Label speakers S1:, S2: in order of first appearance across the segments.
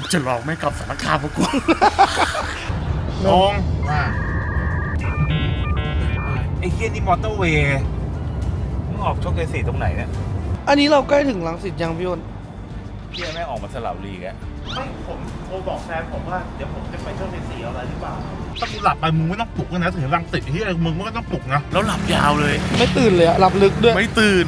S1: จะลองไม่กลับสารคามมากู
S2: งง
S3: ว่า
S2: ไอ้เฮียนี่มอเตอร์เวย์มึงออกโชคชัย4ตรงไหนเนี่ย
S4: อันนี้เราใกล้ถึงรังสิตยังพี่อ้น
S2: เฮียแม่งออกมาสลับลีกอะ
S3: ไม่ผมโทรบอกแฟนผมว่าเดี๋ยวผมจะไปโชคชัย4อะไรหรือเปล่า
S2: ถ้ากูหลับไปมึงไม่ต้องปลุกนะถึงรังติดเฮียมึงก็ต้องปลุกนะ
S1: แล้วหลับยาวเลย
S4: ไม่ตื่นเลยอะหลับลึกด้วย
S1: ไม่ตื่น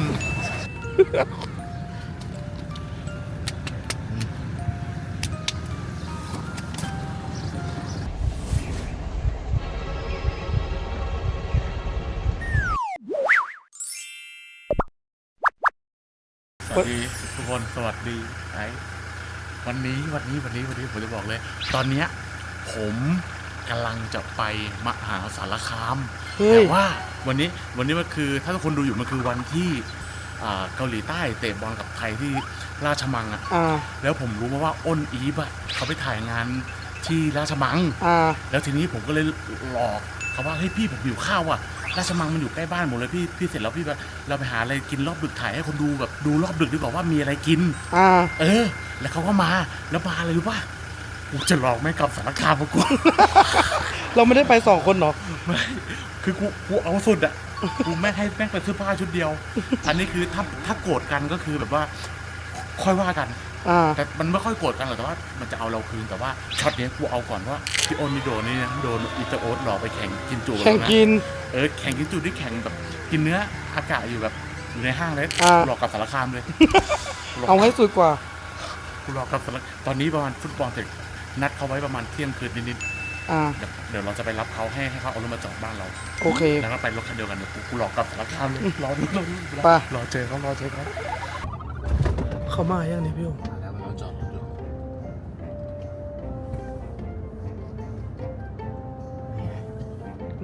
S1: สวัสดีทุกคนสวัสดีไอ้วันนี้ผมจะบอกเลย ตอนเนี้ยผมกำลังจะไปมหาสารคาม
S4: เฮ้ย
S1: แต่ว่าวันนี้มันคือถ้าทุกคนดูอยู่มันคือวันที่เกาหลีใต้เตะบอลกับไทยที่ราชมังอ่ะ แล้วผมรู้มาว่าอ้นอีฟอ่ะเขาไปถ่ายงานที่ราชมังแล้วทีนี้ผมก็เลยหลอกเขาว่าเฮ้ยพี่ผมหิวข้าวอ่ะราชมังมันอยู่ใกล้บ้านหมดเลยพี่เสร็จแล้วพี่แบบเราไปหาอะไรกินรอบดึกถ่ายให้คนดูแบบดูรอบดึกดีกว่าว่ามีอะไรกินแล้วเขาก็มาแล้วมาอะไรรู้ป่ะกูจะลองไม่กลับสารคามมากู
S4: เราไม่ได้ไป2 คนหรอ
S1: ไม่คือกูเอาสุดอ่ะกูไม่ให้แม่งไปซื้อผ้าชุดเดียวอันนี้คือถ้าโกรธกันก็คือแบบว่าค่อยว่ากันแต่มันไม่ค่อยโกรธกันหรอกแต่ว่ามันจะเอาเราคืนแต่ว่าช็อตนี้กูเอาก่อนว่าพี่อ้นนี่โดนนี่นะโดนอิตาโอ๊ตหลอกไปแข่งกินจุนะ
S4: แข่งกิน
S1: แข่งกินจุที่แข่งแบบกินเนื้ออากาศอยู่แบบอยู่ในห้างเลยหลอกกับสารคามเลย
S4: เอาให้สุดกว่า
S1: กูหลอกกับสารตอนนี้ประมาณฟุตบอลเสร็จนัดเขาไว้ประมาณเที่ยงคืนนิดๆเดี๋ยวเราจะไปรับเขาให้เขาเอารถมาจอดบ้านเรา
S4: โอเค
S1: แล้วก็ไปรถคันเดียวกันเดี๋ยวกูหลอกกับสารคามเลยรอเจอเขา
S4: เขามาอย่างนี้พี่โอ
S1: แล้วเราจอดรถอยู่
S4: ไหน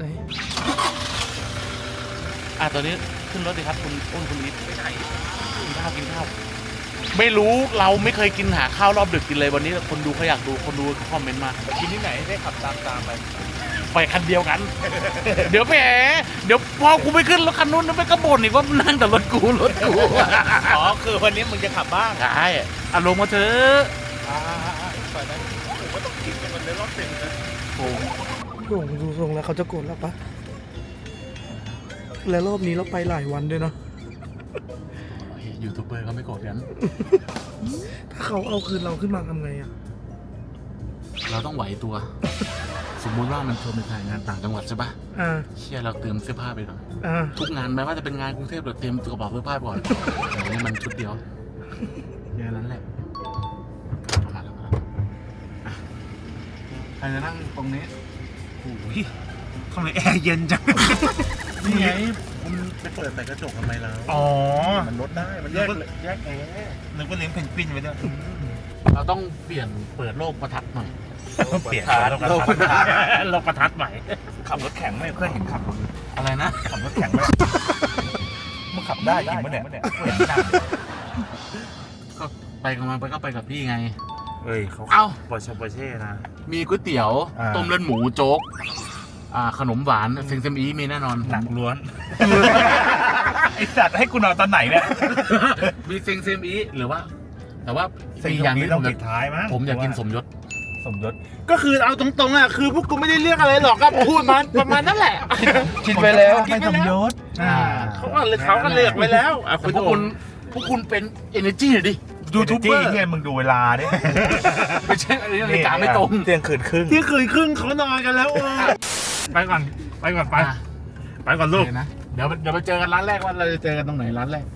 S1: ตอนนี้ขึ้นรถดิครับคุณอ้นคุณอีทไปไหนกินข้าวไม่รู้เราไม่เคยกินหาข้าวรอบดึกกินเลยวันนี้คนดูเขาอยากดูคนดูคอมเมนต์มา
S2: กินที่ไหนได้ขับตาม
S1: ไปคันเดียวกัน เดี๋ยวพอกูไปขึ้นรถคันนู้นนึกไปก็บ่นอีกว่านั่งแต่รถกู
S2: อ๋อคือวันนี้มึงจะขับบ้าง
S1: ใช่ลงมาเถอะ
S2: ปล่อยนั้นผมก็ต้องกินกันมันเลยรอบเต็มเลย
S4: พี่โอดูทรงแล้วเขาจะโกรธแล้วปะและรอบนี้เราไปหลายวันด้วยเนาะ
S1: ยูทูบเบอร์เขาไม่โกรธกัน
S4: ถ้าเขาเอาคืนเราขึ้นมาทำไงอ่ะ
S1: เราต้องไหวตัว สมมุติว่ามันชวนไปถ่ายงานต่างจังหวัดใช่ปะเชี่ยเราเตรียมเสื้อผ้าไปก่อนทุกงานแม้ว่าจะเป็นงานกรุงเทพเราเตรียมกระเป๋าเสื้อผ้าก่อนแต่นี่มันชุดเดียวแค่นั้นแหละมาแล้วใครจะนั่งตรงนี้
S2: โอ้ยทำไมแอร์เย็นจัง
S1: นี่ไงคุณไปเปิดใส่กระจกทำไมล่ะ
S2: อ๋อ
S1: มันลดได้มันแยกแอร์
S2: นึกว่าเลี้ยงเพนกวินไว้ด้วย
S1: เราต้องเปลี่ยนเปิดโลกประทัดหน่อย
S2: เปลี่ยนโลกประทัดใหม่ขับรถแข่งไม่เคยเห็นขับรถ
S1: อะไรนะ
S2: ขับรถแข่งไม่มึงขับได้จริงปะเนี่ยเห็นหน้า
S1: ก็ไปกับมันก็ไปกับพี่ไง
S2: เฮ้ยเขาปอร์เช่นะ
S1: มีก๋วยเตี๋ยวต้มเลือดหมูโจ๊กขนมหวานเซมอีมีแน่นอน
S2: หนักล้วนไอสัตว์ให้กูนอนตอนไหนเนี่ย
S1: มีเซมอีหรือว่าแต่ว่ามีอย่างนี้
S2: ต้องปิดท้ายมั้ย
S1: ผมอยากกินสมยศ
S2: ก็คือเอาตรงๆอ่ะคือพวกกูไม่ได้เรียกอะไรหรอกก็พูดมาประมาณนั่นแหละ
S4: คิดไปแล้ว
S2: ไม่สมยศเขาก็เลือกไว้แล้ว
S1: พวกคุณเป็น energy หน่อยดิ
S2: ยูทูบเบอร์ที่มึงดูเวลาดิ
S1: ไม่ใช่อันนี้นาฬิกาไม่ตรง
S2: เที่ยงคืนครึ่งเขานอนกันแล้วไปก่อนลูก
S1: นะเดี๋ยวไปเจอกันร้านแรกว่าเราจะเจอกันตรงไหนร้านแรก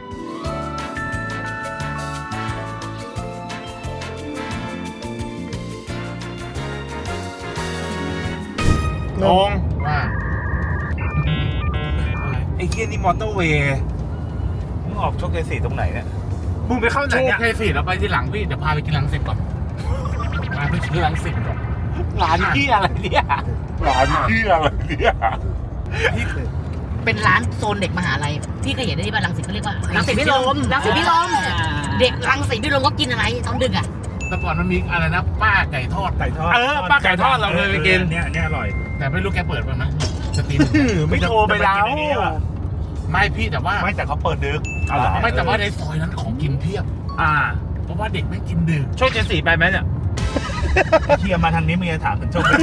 S2: งงว่าไอ้เฮียนี่มอเตอร์เวย์มึงออกโชคชัย4ตรงไหนเนี่ยมึงไปเข้าไหนเนี่ย
S1: โชคชัย4เราไปที่หลังพี่เดี๋ยวพาไปกินรังสิตก่อนมาไปกินรังสิตก่อน
S2: ร้านที่อะไรเนี่ย
S5: เป็นร้านโซนเด็กมหาลัยที่เคยเห็นได้ที่บ้านรังสิตเขาเรียกว่ารังสิตพิรมเด็กรังสิตพิรมก็กินอะไรตอนดึกอ่ะ
S1: แต่ก่อนมันมีอะไรนะป้าไก่ทอด
S2: ป้าไก่ทอดเราเคยไปกินเนี่ยอร่อย
S1: แต่ไม่รู้แกเปิดป่ะนะสตรีม
S2: ไม่โทรไปแล้ว
S1: ไม่พี่แต่ว่า
S2: ไม่แต่เขาเปิดดึก
S1: ไม่แต่ว่าในซอยนั้นของกินเพียบเพราะว่าเด็กไม่กินดึก
S2: โชคชัย4ไปไหมเนี่ย
S3: เฮียมาทางนี้มึงจะถามถึงโชค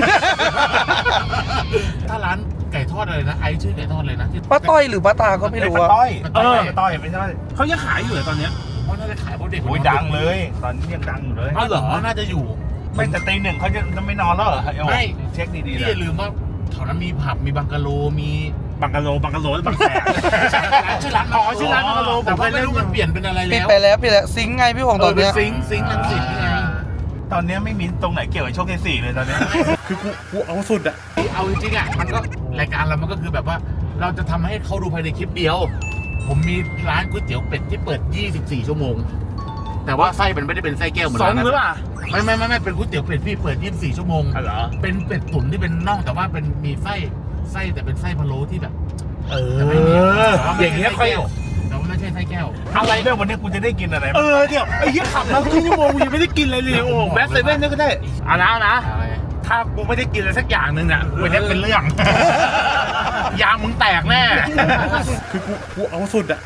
S1: ถ้าร้านไก่ทอดอะไรนะไอชื่อไก่ทอดเลยนะที่
S4: ป้าต้อยหรือป้าตาก็ไม่รู้
S3: ป้า
S4: อะ
S3: ต้อยต้อยไม่ใช่
S2: เขายังขายอยู่เลยตอนเนี้ย
S1: ผมว่าน่าจะขายเพราะเด็ก
S3: โอ้ยดังเลย ตอนนี้ยังดังอยู่เลย
S1: เอาเหรอน่าจะอยู่
S3: ไม่แต่ตีหนึ่งเขาจะไม่นอนแล้วเหรอ
S1: ไม่
S3: เช็คดีๆ
S1: พี่
S3: เล
S1: อย ย่าลืมว่าแถวนั้นมีผับมีบังกะโลมี
S2: บังกะโลบางแสน
S1: ชื่อร้าน
S2: อ๋อชื่อร้านบังกะโล
S1: แต่ว่าไม่รู้มันเปลี่ยนเป็นอะไร
S4: ปิด
S1: แล้ว
S4: ไปแล้วปิดแล้วซิงค์ไงพี่หงตอนเนี้ย
S1: ซิงค์ลังสิตนี่ไง
S3: ตอนนี้ไม่มีตรงไหนเกี่ยวกับโชคที่สี่เลยตอนนี้
S1: คือกูเอาสุดอะเอาจริงๆอะมันก็รายการเรามันก็คือแบบว่า เราจะทำให้เขาดูภายในคลิปเดียว ผมมีร้านก๋วยเตี๋ยวเป็ดที่เปิด 24 ชั่วโมง แต่ว่าไส้มันไม่ได้เป็นไส้แก้วเหมือน
S2: สอ
S1: ร้าง นนั้น
S2: หรือเปล่า
S1: ไม่เป็นก๋วยเตี๋ยวเป็ดพี่เปิด 24 ชั่วโมง
S2: อ๋อเหรอ
S1: เป็นเป็ดตุ๋นที่เป็นน่องแต่ว่าเป็นมีไส้แต่เป็นไส้พะโล้ที่แบบ
S2: เอ
S1: แต่ไม่มีแต่ว่าไม่
S2: อย่างเงี้ย
S1: ใช่
S2: ค่อย
S1: ไส้แก้วแต่ว่าไม่ใช่ไส้แก้ว
S3: อะไรเนี่ยวันนี้กูจะได้กินอะไร
S2: เดี๋ยวไอ้เหี้ยขับมาครึ่งชั่วโมงกูยังไม่ได้กินเลยโอ้แบ็คเซเว่นนี่ก็ได้เอานะ
S1: อะไร
S2: ถ้ากูไม่ได้กินอะไรสักอย่างหนึ่งเนี่ยวันนี้เป็นเรื่อง ยางมึงแตกแน่
S1: คือกูเอาสุดอะ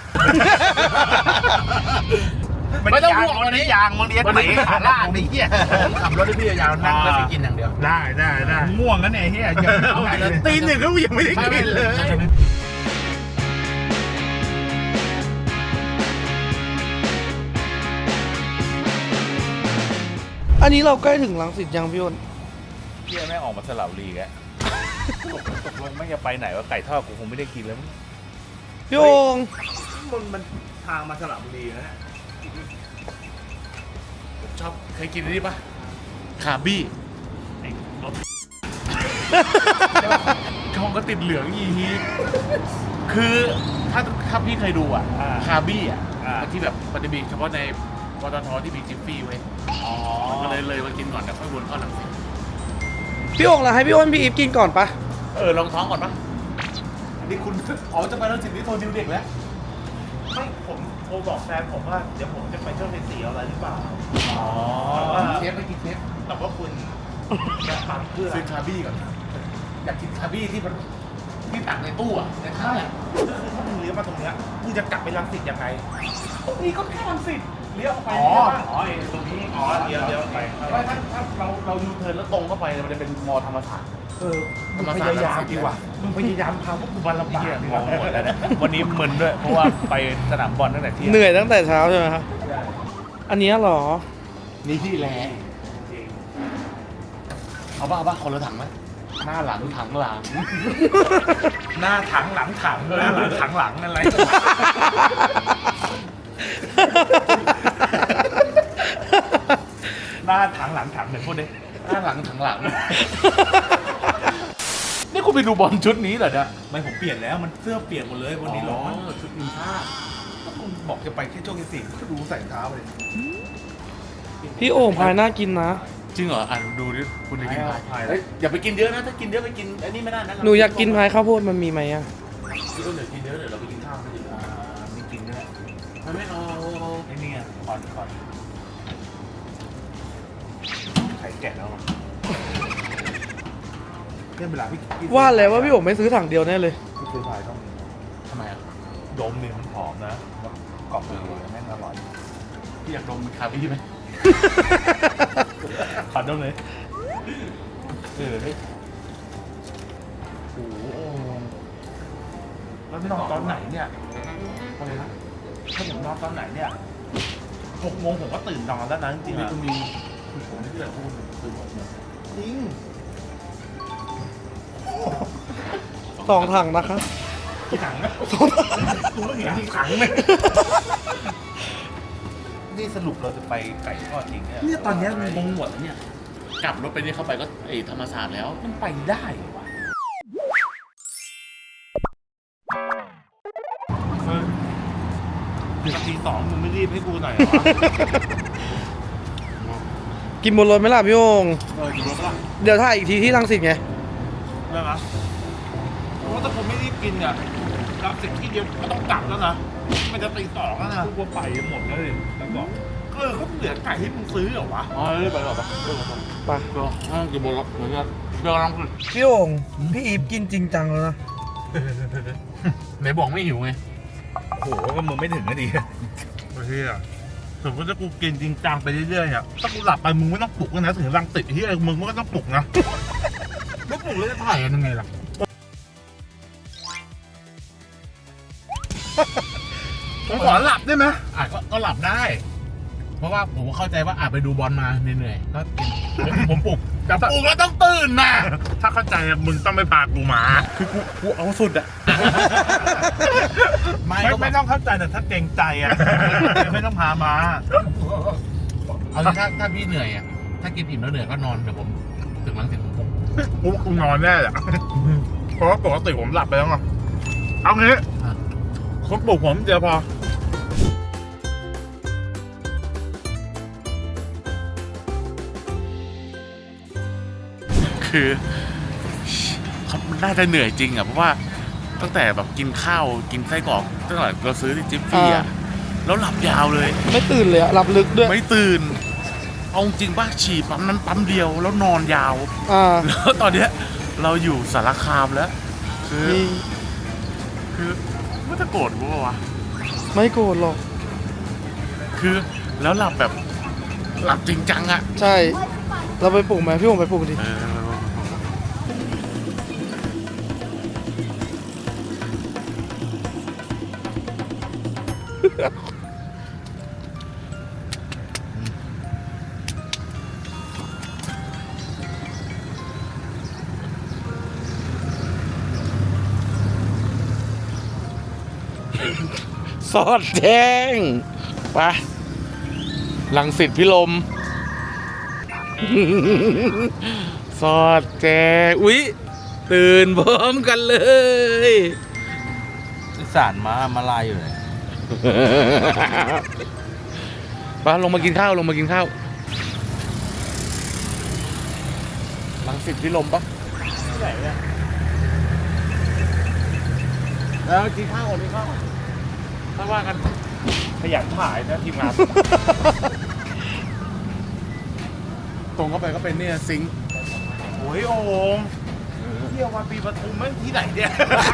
S3: ไม่ต้องพูดวันนี้ยางมึงเลี้ยง
S1: วัน
S3: ไหน
S1: นี้
S3: ขาล่างนี่เฮีย
S1: ผมขับรถให้พี่ยาวนั่งแล้วไปกินอย่างเดียว
S2: ได้
S3: ง่วงกันเนี่ยเฮียยังไม่ได้เลย
S2: ตีหนึ่งก็ยังไม่ได้กินเลย
S4: อันนี้เราใกล้ถึงรังสิตยังพี่อ้น
S3: เฮียแม่งออกมาสลับลีกอะตกลงไม่จะไปไหนว่าไก่ทอดกูคงไม่ได้กินแล้ว
S4: พี่โอง
S3: มันทางมาสลับบุรีนะ
S1: ผมชอบเคยกินอันนี้ปะคาบี้ช่องก็ติดเหลืองอีฮีคือถ้าพี่เคยดูอะคาบี้อะที่แบบมันจะมีเฉพาะในปตทที่มีจิฟฟี่ไว้ก็เลยมากินก่อนแล้วค่อยวนเข้าหลังสิต
S4: พี่โองล่ะให้พี่อ้นพี่อีฟกินก่อนปะ
S1: ลองท้องก่อนปะนี่คุณจะไปแล้วสินี่โทรดิวเด็กแล้ว
S3: ไม่ผมโทรบอกแฟนผมว่าเดี๋ยวผมจะไปโชคที่สี่อะไรหรือเปล่า
S1: เชฟไปกินเชฟ
S3: แต่ว่าคุณจะฟังเพื่อ
S1: ซื้อคาบี้ก่อนอยากกินคาบี้ที่มันที่ตักในตู้อะในข้าวอะ
S3: คือถ้ามึงเลี้ยวมาตรงเนี้ยมึงจะกลับไปรังสิตยังไง
S1: นี่ก็แค่รังสิตเลี้ยวออกไป
S3: ตรงนี้เลี้ยวไป
S1: ว่าถ้าเรายูเทิร์นแล้วตรงเข้าไปมันจะเป็นมอธรรมศาสตร์
S3: มึงพยายามดีกว่ามึงพยายามพาพวกกูมาลำบากงงหมดแล้วเนี่ยวันนี้มึนด้วยเพราะว่าไปสนามบอลตั้งแต่เที่ยง
S4: เหนื่อยตั้งแต่เช้าใช่ไหมครับอันเนี้ยเหรอ
S1: นี่ที่แลเอาป่ะคนละถังไหมหน้าหลังถังหลัง
S3: หน้าถังหลังถังเลยถังหลังอะไร หน้าถังหลังถังเหมือนพูดดิ
S1: หน้าหลังถังหลัง นี่คุณไปดูบอลชุดนี้เหรอเนี่ย
S3: ไม่ผมเปลี่ยนแล้วมันเสื้อเปลี่ยนหมดเลยวันนี้ร้อน
S1: ชุดทีมชาติ
S3: คุณบอกจะไปแค่โชคที่สี่ก็ดูใส่เท้าเลย
S4: พี่โอ่งพายน่ากินนะ
S1: จริงเหรออ่ะดูดิคุณจะกินพาย
S3: พาย
S1: เฮ้ยอย่าไปกินเยอะนะถ้ากินเยอะไปกินอันนี้ไม่ได้นะ
S4: หนูอยากกินพายข้าวโพดมันมีไหมอะ
S1: พี่อ้นเดี๋ยวกินเยอะเดี๋ยวเราไปกินข้าวกันดีกว่า
S3: มีกินด้วย
S1: ไม่เอา
S3: ไอ้นี่ไงคอนไข่แกะแล้วเนี่ยเวลาพี่
S4: ว่าแล้วว่าพี่โอ่งไม่ซื้อถังเดียวแน่เลย
S3: พี่ซื้อพายต้อง
S1: ทำไมอ่ะ
S3: ดมเนี่ยมันหอมนะแล้วกรอบเลยแม่งอร่อย
S1: พี่อยากดมคาบี้ไหม
S3: ขอดมเลยเฮ้ยโอ้โหแล้วนอนตอนไหนเนี่ยอะไรนะถ้าผมนอนตอนไหนเนี่ย6 โมงผมก็ตื่นนอนแล้วนะจริงๆ
S1: นี่
S3: อะ
S1: ก็มีผมไม่ได้พูดคือผมเนี่ย
S3: จริง
S4: 2 ถังนะคะ
S3: กี่ถังนะกูก็เห็นกี่ถังเลยนี่สรุปเราจะไปไก่ทอดจริงเนี่ย
S2: เนี่ยตอนเนี้ยงงหมดแล้วเนี่ย
S1: กลับรถไปนี่เข้าไปก็ไอ้ธรรมศาสตร์แล้ว
S3: มันไปได้เหรอวะถึงตี 2มึงไม่รีบให้กูหน่อยเหรอวะ
S4: กินบนรถไหมล่ะพี่โอ่ง
S3: กี่รถละ
S4: เดี๋ยวถ่ายอีกทีที่รังสิตไง
S3: ได้ไหมเพราะว่าถ้าผมไม่รีบกินเนี่ยรับสิ่งที่เดียวก็ต้องกลับแล้วนะ มันจะตี 2แล้วนะกูว่าไปหมดแล้วเลยแล้วบอกเขาเหลือไก่ให้มึงซื้อเหรอวะ
S1: อ๋อเรื่อยไปหรอปะ
S4: ไป
S1: เดี๋ยวกินบนรถเหมือนกันเดี๋ยวลอง
S4: พี่โอ่งพี่อีฟกินจริงจังแล้วนะ
S1: ไหนบอกไม่หิวไง
S3: โอ้โหก็มึงไม่ถึงก็ดีเฮียสมมติถ้ากูกินจริงจังไปเรื่อยๆเนี่ยถ้ากูหลับไปมึงไม่ต้องปลุกนะถึงรังติดที่มึงก็ต้องปลุกนะไม่ปลุกแล้วจะถ่ายกันยังไงล่ะผมขอหลับได้ไหม
S1: ก็หลับได้ เพราะว่าผมเข้าใจว่าไปดูบอลมาเหนื่อยๆก็ผมปลุกแต่ปลุกแล้วต้องตื่นนะ
S3: ถ้าเข้าใจมึงต้องไม่พากูมา
S1: คือกูเอาสุดอะ
S3: ไม่ต้องเข้าใจแต่ถ้าเกรงใจอ่ะไม่ต้องพามา
S1: เอาถ้าพี่เหนื่อยอะถ้ากินอิ่มแล้วเหนื่อยก็นอนเดี๋ยวผมถึงรังสิตผมปลุก
S3: กูนอนแน่แหละเพราะว่าปกติผมหลับไปแล้วไงเอางี้คนปลุกผมเดี๋ยวพอ
S1: คือเขาน่าจะเหนื่อยจริงอะเพราะว่าตั้งแต่แบบกินข้าวกินไส้กรอกตั้งแต่เราซื้อที่จิ๊บฟี่อะแล้วหลับยาวเลย
S4: ไม่ตื่นเลยอะหลับลึกด้วย
S1: ไม่ตื่น เอาจริงป่ะฉี่ปั๊มนั้นปั๊มเดียวแล้วนอนยาว แล้วตอนเนี้ยเราอยู่สารคามแล้ว คือไม่จะโกรธกูปะวะ
S4: ไม่โกรธหรอก
S1: คือแล้วหลับแบบหลับจริงจังอะ
S4: ใช่ เราไปปลุกไหมพี่ผมไปปลุกดิ
S1: สอดแดงไปรังสิตพิลม สอดแจงอุ๊ยตื่นพร้อมกันเลย
S3: สารมาลายอยู่เลย
S1: ไปลงมากินข้าวลงมากินข้าวรังสิตพิลมปะแล้วกินข้าวก่อนกินข้าวถ้าว่ากัน
S3: ขยันถ่ายนะทีมงาน
S1: ตรงเข้าไปก็เป็นเนี่ยซิงค์
S3: โอ้ยโอ่งเที่ยววันปีปทุมไม่ที่ไหนเนี่ย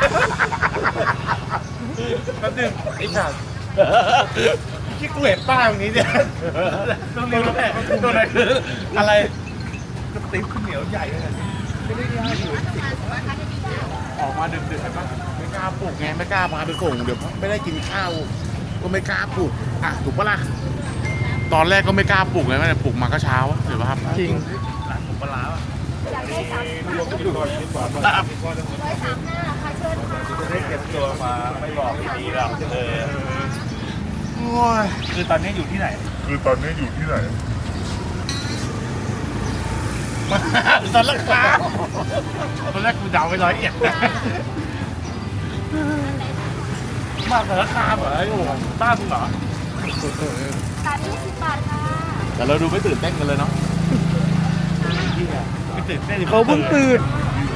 S3: แป๊บนึงไอ้สัตว์ที่กูเห็นป้ายตรงนี้เนี่ยตรงนี้แหละตรงไหนคืออะไรกระติบข้าวเหนียวใหญ่เลยไม่ได้ย่างอยู่
S1: ออกมาดึกๆใช่ปะไม่กล้าปลุกไงไม่กล้าพาไปส่งเดี๋ยวไม่ได้กินข้าวก็ไม่กล้าปลุกอ่ะถูกปะล่ะตอนแรกก็ไม่กล้าปลุกเลยแม่ปลุกมาก็เช้าถือว่าครับ
S4: จริง
S3: ร้านหมูปลาร้า จะได้เก็บตัวมาไม่บอกดีหรอกโอ้ยคือตอนนี้อยู่ที่ไหน สารคามตอนแรกกูเดาไป101นะมาสารคามเหรอไอ้โอ่งบ้านมึงเหรอ
S6: 30 บาทค่ะ
S1: แต่เราดูไม่ตื่นเต้นกันเลยเนาะ
S3: ไม่ตื่นเต้น
S4: เขาเพิ่งตื่น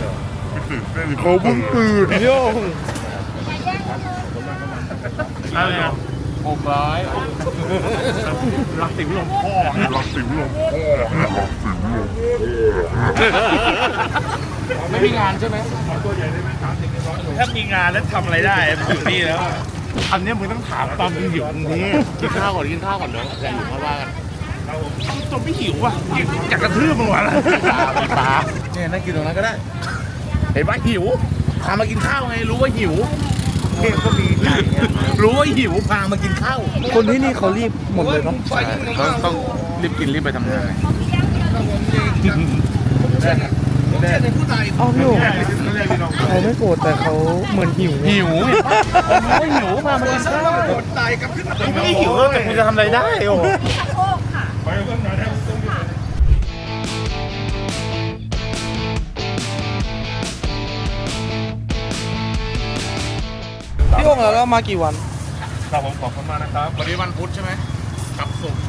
S4: โย่ง
S3: อะไรอ่ะ
S1: 600
S3: รักติ๋วลงพ่อนะ
S1: ไม่มีงานใช่ไหม
S3: ถ้ามีงานแล้วทำอะไรได้อยู่นี่แล้วอันนี้มึงต้องถามตอนมึงหิวนี่
S1: กินข้าวก่อนกินข้าวก่อนเนาะแต่อยู่ค่อยว่ากัน
S3: ตัวไม่หิวอ่ะอยากกระทืบมึงวะล่ะ
S1: มีปลาเนี่ยนั่งกินตรงนั้นก็ได้เห็นว่าหิวพามากินข้าวไงรู้ว่าหิว
S3: เทพก็มีไก่เนี่ย
S1: รู้ว่าหิวพามากินข้าว
S4: คนที่นี่เขารีบหมดเลยเนาะ
S1: ต้องรีบกินรีบไปทำงาน
S4: อ้าวพี่โอ๋เขาไม่โกรธแต่เขาเหมือนหิว
S1: หิวรู้ว่าหิวพามากินข้าว
S3: กูไม่ได้หิวแล้วแต่กูจะทำอะไรได้โอ้
S4: พี่โอ๋แล้วเรามากี่วัน
S3: ครับผมขอบคุณมากนะครับ
S1: วันนี้วันพุธใช่ไหมกับศุกร์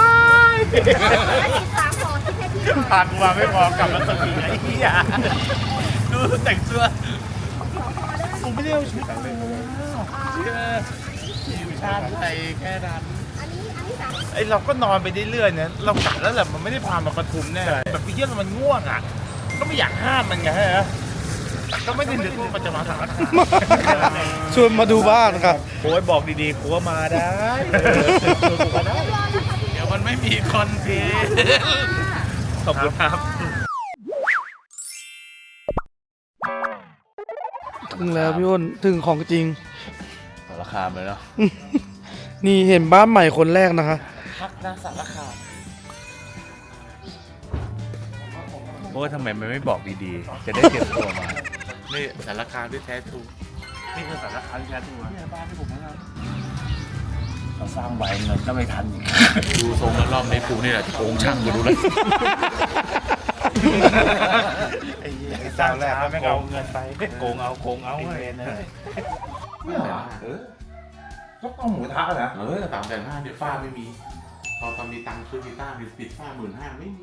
S6: 3ห่อที่ให้พี่หน่อย
S3: พากูมาไม่พอกลับมาสกีไอ้เหี้ยดูแต่งตัวกูไม่ได้เอาชุดอะไรมา
S1: ชาติไทยแค่นั้น
S6: อันนี้3
S3: ไอ้เราก็นอนไปเรื่อยๆเนี่ยเรากะแล้วแหละมันไม่ได้พามาปทุมแน่แบบพี่เยี่ยมันง่วงอ่ะ ก็ไม่อยากห้ามมันไงฮะก็ไม่ได้นึกว่ามันจะมาสารคาม
S4: ชวนมาดูบ้านครับ
S3: โอ้ยบอกดีๆกูก็มาได้กูก็ได้
S1: เดี๋ยวมันไม่มีคอนเทนต์
S3: ขอบคุณครับ
S4: ถึงแล้วพี่อ้นถึงของจริง
S1: สารคามเลยเนาะ
S4: นี่เห็นบ้านใหม่คนแรกนะคะ
S1: พักนาสารคาม
S3: โอ้ยทำไมมันไม่บอกดีๆ จะได้เตรียมตัวมา
S1: นี่สารคามที่แท้ทรู
S3: นี่คือสารคามที่แท้ทรูนะบ้านที่ผมนะครับเราสร้างไว้เงินก็ไม่ทันอีก
S1: ดูทรงแล้วรอบในกูนี่แหละโกงช่างกูดูเลย
S3: สร้างแล้วไม่เอาเงินไปโกงเอาเลย
S7: ก็ต้องหมูกระทะนะ
S1: 350,000เดี๋ยวฝ้าไม่มี พอตอนมีตังค์ซื้อกีตาร์ปิดฝ้า15,000ไม่มี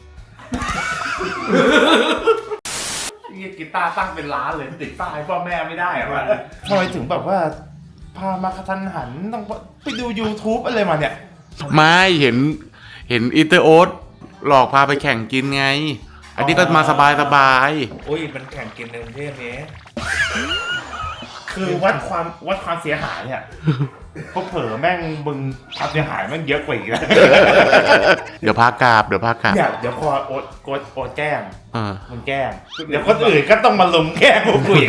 S3: กีตาร์ตั้งเป็นล้านเลยติดป้ายพ่อแม่ไม่ได้อะวะทำไมถึงแบบว่า พามากระทันหันต้องไปดู YouTube อะไรมาเนี่ย
S1: ไม่เห็นอีเตอร์โอ๊ตหลอกพาไปแข่งกินไง อันนี้ก็มาสบาย
S3: โอ้ยมันแข่งกินในกรุงเทพนี้คือวัดความเสียหายเนี่ยพอเผลอแม่งบึงความเสียหายแม่งเยอะกว่าอีกแล้ว
S1: เดี๋ยวพากราบ
S3: เดี๋ยวพอโอ๊ตแกล้ง
S1: เออ
S3: มึงแกล้งเดี๋ยวคนอื่นก็ต้องมาลุมแกล้งพวกกูอีก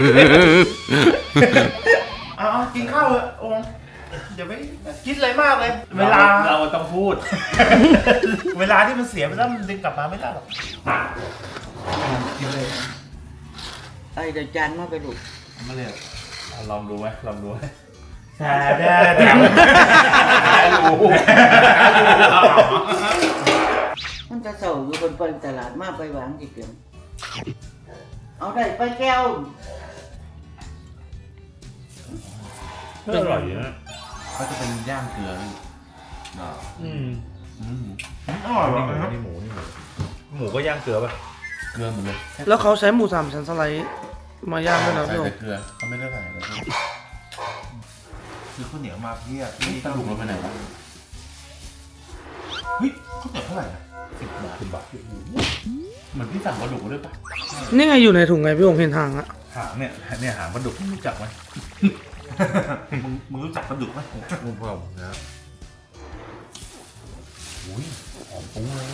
S3: เอากินข้าวเลยองค์อย่าไปคิดอะไรมากเลย เวลาเราต้องพูด เวลาที่มันเสียไปแล้วมันดึงกลับมาไม่ได้หรอกกินเลย
S5: ไอ้เดี๋ยวจานมาไปลูก
S3: มาเลยลองดูไหมแช่รู้
S5: มันจะเศร้าอยู่บนไปตลาดมาไปหวางจิเปียงเอาได้ไปแก้ว
S3: อร่อยนะ
S1: เขาจะเป็นย่างเกลือ
S3: อร่อยว่ะนี่หมูก็ย่างเกลือป่ะ
S1: เกลือหมดเลย
S4: แล้วเขาใช้หมูสามชั้นสไลด์มาย่างด้วยนะ
S1: ใส่
S4: พี่อ้
S1: แต่
S4: น
S1: เกลือเขาไม่ได้ใส่อะไร
S3: คือข้าวเหนียวมาเพี้ย
S1: นี่สรุปเราไปไหนวะ
S3: เฮ้ยข้าวเหนียวเท่าไหร่นะ10 บาท
S1: เหมือนพี่สั่งกระดูกมาด้วยปะ
S4: นี่ไงอยู่ในถุงไงพี่อ้นเห็นทางอะ
S3: หางเนี่ยหางปลาดุกรู้จักไหม มึงรู้จักปลาดุกไหมรู้เปล่านะอุ้ยหอมปุ้งเลย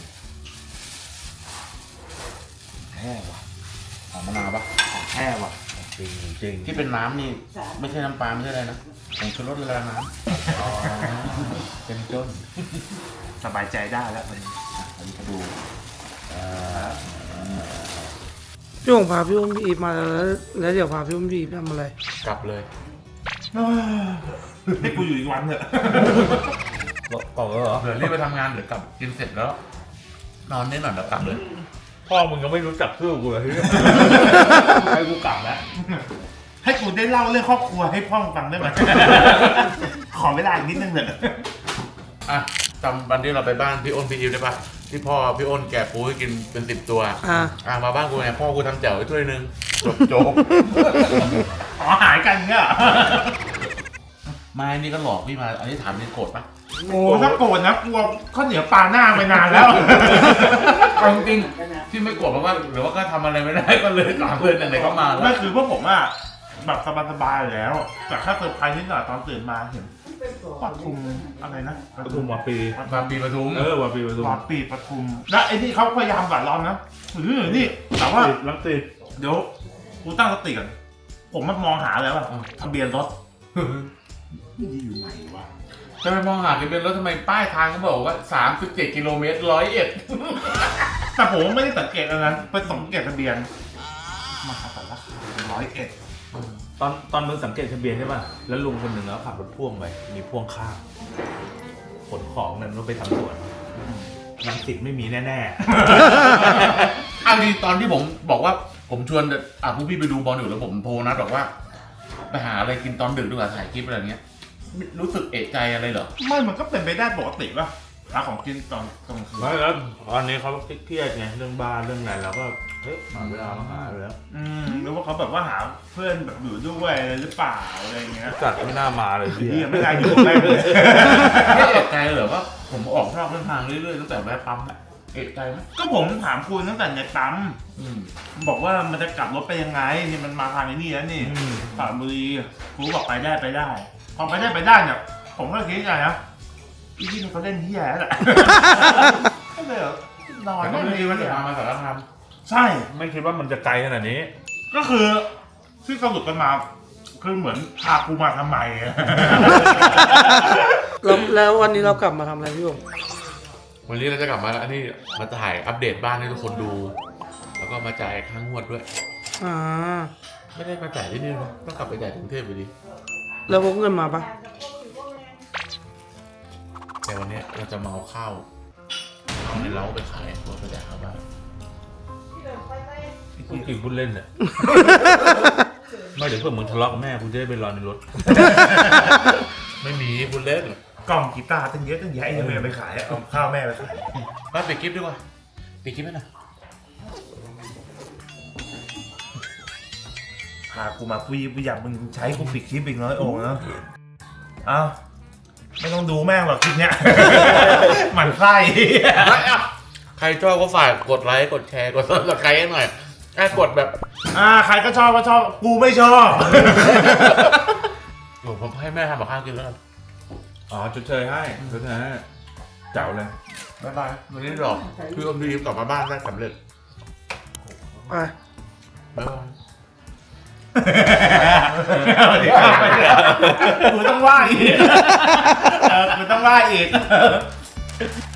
S1: แห้ว่ะหอมมะนาวปะ
S3: แท้ว่ะจริง
S1: ที่เป็นน้ำนี่ไม่ใช่น้ำปลาไม่ใช่อะไรนะผงชูรสละลายน้ำเป็นต้น
S3: สบายใจได้แล้วมัน
S1: อันนี้กระดูก
S4: พี่อ้นพาพี่อ้นพี่อีฟมาแล้วเดี๋ยวพาพี่อ้นพี่อีฟทำอะไร
S1: กลับเลย
S3: ให้กูอยู่อีกวันเถอะก่อนเหรอ
S1: เดี๋ยวรีบไปทำงานเดี๋ยวกลับกินเสร็จแล้ว นอนนิดหน่อยแล้วกลับเลย
S3: พ่อมึงก็ไม่รู้จักชื่อกูเลยให้กูกลับแล้วให้กูได้เล่าเรื่องครอบครัวให้พ่อฟังได้ไหม ขอเวลาอีกนิดนึงเถอะ
S1: อ่ะจำวันที่เราไปบ้านพี่อ้นพี่อิวได้ปะที่พ่อพี่อ้นแกะปูให้กินเป็น10 ตัว มาบ้านกูไงพ่อกูทำแจ่วไว้ถ้วยนึงจบ
S3: อ๋อหายกันเงี้ย
S1: ไม่นี่ก็หลอกพี่มาอันนี้ถามนี่โกรธปะ
S3: โอ้ถ้าโกรธนะกลัวข้าวเหนียวปลาหน้าไปนานแล้ว
S1: เอาจริงๆที่ไม่โกรธเพราะว่าหรือว่าก็ทำอะไรไม่ได้ก็เลยถามเพื่อนไหนๆก็มาแล้ว
S3: ไม่คือพวกผมอะแบบสบายๆอยู่แล้ว แต่แค่เซอร์ไพรส์นิดหน่อยตอนตื่นมาเห็นปทุมอะไรนะ
S2: ปทุมวาปี
S1: มาปีปทุม
S2: วาปีปทุม
S3: วาปีปทุมแล้วไอ้นี่เขาพยายามหวานล้อมนะนี่แต่ว่า
S2: ลังสิต
S3: เดี๋ยวกูตั้งสติก่อนผมมันมองหาแล้วว่าทะเบียนรถนี่อยู่ไหนวะ
S1: จะไปมองหาทะเบียนรถทำไมป้ายทางเขาบอกว่า37 กิโลเมตร101
S3: แต่ผมไม่ได้สังเกตอันนั้นไปสังเกตทะเบียนมาสารคาม101
S2: ตอนมึงสังเกตทะเบียนใช่ป่ะ แล้วลุงคนหนึ่งแล้วขับรถพ่วงไป มีพ่วงข้างขนของนั่นรถไปทำสวนลังสิตไม่มีแน่
S1: เอาดีตอนที่ผมบอกว่าผมชวนพวกพี่ไปดูบอลอยู่แล้วผมโทรนัดบอกว่าไปหาอะไรกินตอนดึกดีกว่าถ่ายคลิปอะไรเงี้ยรู้สึกเอะใจอะไรเหรอ
S3: ไม่มันก็เป็นไปได้ปกติป่ะหาของกินตอนกลางคื
S2: ๆ
S3: น
S2: ไม่แล้วตอนนี้เขาเครียดไงเรื่องบ้านเรื่องอะไรเราก็เฮ้ยหาเวลามาหาไปแล้ว
S3: หรือว่าเขาแบบว่าหาเพื่อนแบบอยู่ด้วยหรือเปล่าอะไรเงี้ย
S2: จัดไม่น่ามาเลยพี่
S3: พี่ไม่ได้อยู่ใกล้เลย
S1: ไม่เอะใจเหรอว่าผมออกนอกเส้นทางเรื่อยๆตั้งแต่แวะปั๊มแหละเอกใจไหม
S3: ก็ผมถามคุณตั้งแต่ในปั๊มบอกว่ามันจะกลับรถไปยังไงนี่มันมาทางไอ้นี่แล้วนี่สระบุรีครูบอกไปได้พอไปได้เนี่ยผมก็คิดไงนะอีที่นี่เขาเล่นเหี้ยแล้วแหละก็เลยนอน
S1: แต่ก็ไม่ดีว่าจะมาสารคาม
S3: ใช่
S2: ไม่คิดว่ามันจะไกลขนาดนี้
S3: ก็คือที่สรุปกันมาคือเหมือนพากูมาทำไมอะ
S4: แล้ววันนี้เรากลับมาทำอะไรพี่โอ่ง
S1: วันนี้เราจะกลับมาแล้วอันนี้มาถ่ายอัปเดตบ้านให้ทุกคนดู แล้วก็มาจ่ายค่างวดด้วย
S4: อ่า
S1: ไม่ได้มาจ่ายที่นี่นะต้องกลับไปจ่ายกรุงเทพอยู่ดี
S4: แล้วพกเงินมาปะ
S1: แต่วันนี้เราจะมาเอาข้าวในเล้าไปขายตัวไปแจกข้าวบ้าน
S2: พูดจริงพูดเล่นเนี่ย ไม่เดี๋ยวเพื่อนมึงทะเลาะกับแม่กูจะได้ไปรอในรถ
S1: ไม่มีคุณเล่น
S3: กล่องกีตาร์ตั้งเยอะตั้งแยะยังไม่เอาไปขายเอาข้าวแม่ไปขาย
S1: มาปิดคลิปดีกว่าปิดคลิปให้หน่อย
S3: พากูมากูอยากมึงใช้กูปิดคลิปอีกน้อยโอ่งเนาะเอ้าไม่ต้องดูแม่งหรอกคลิปเนี้ย หมั่นไส้
S1: ใครชอบก็ฝากกดไลค์กดแชร์กดซับสไครต์ให้หน่อยกดแบบ
S3: ใครก็ชอบกูไม่ชอบ
S1: ผมให้แม่ทำกับข้าวกินแล้วกัน
S2: อ๋อชดเชยให้ชดเชยให้เจ๋วเลย
S1: บ๊ายบายวันนี้หรอกคืออมดีกลับมาบ้านได้สำเร็จ
S4: ไป
S1: บ๊ายบาย
S3: กูต้องว่าอีกกูต้องว่าอีก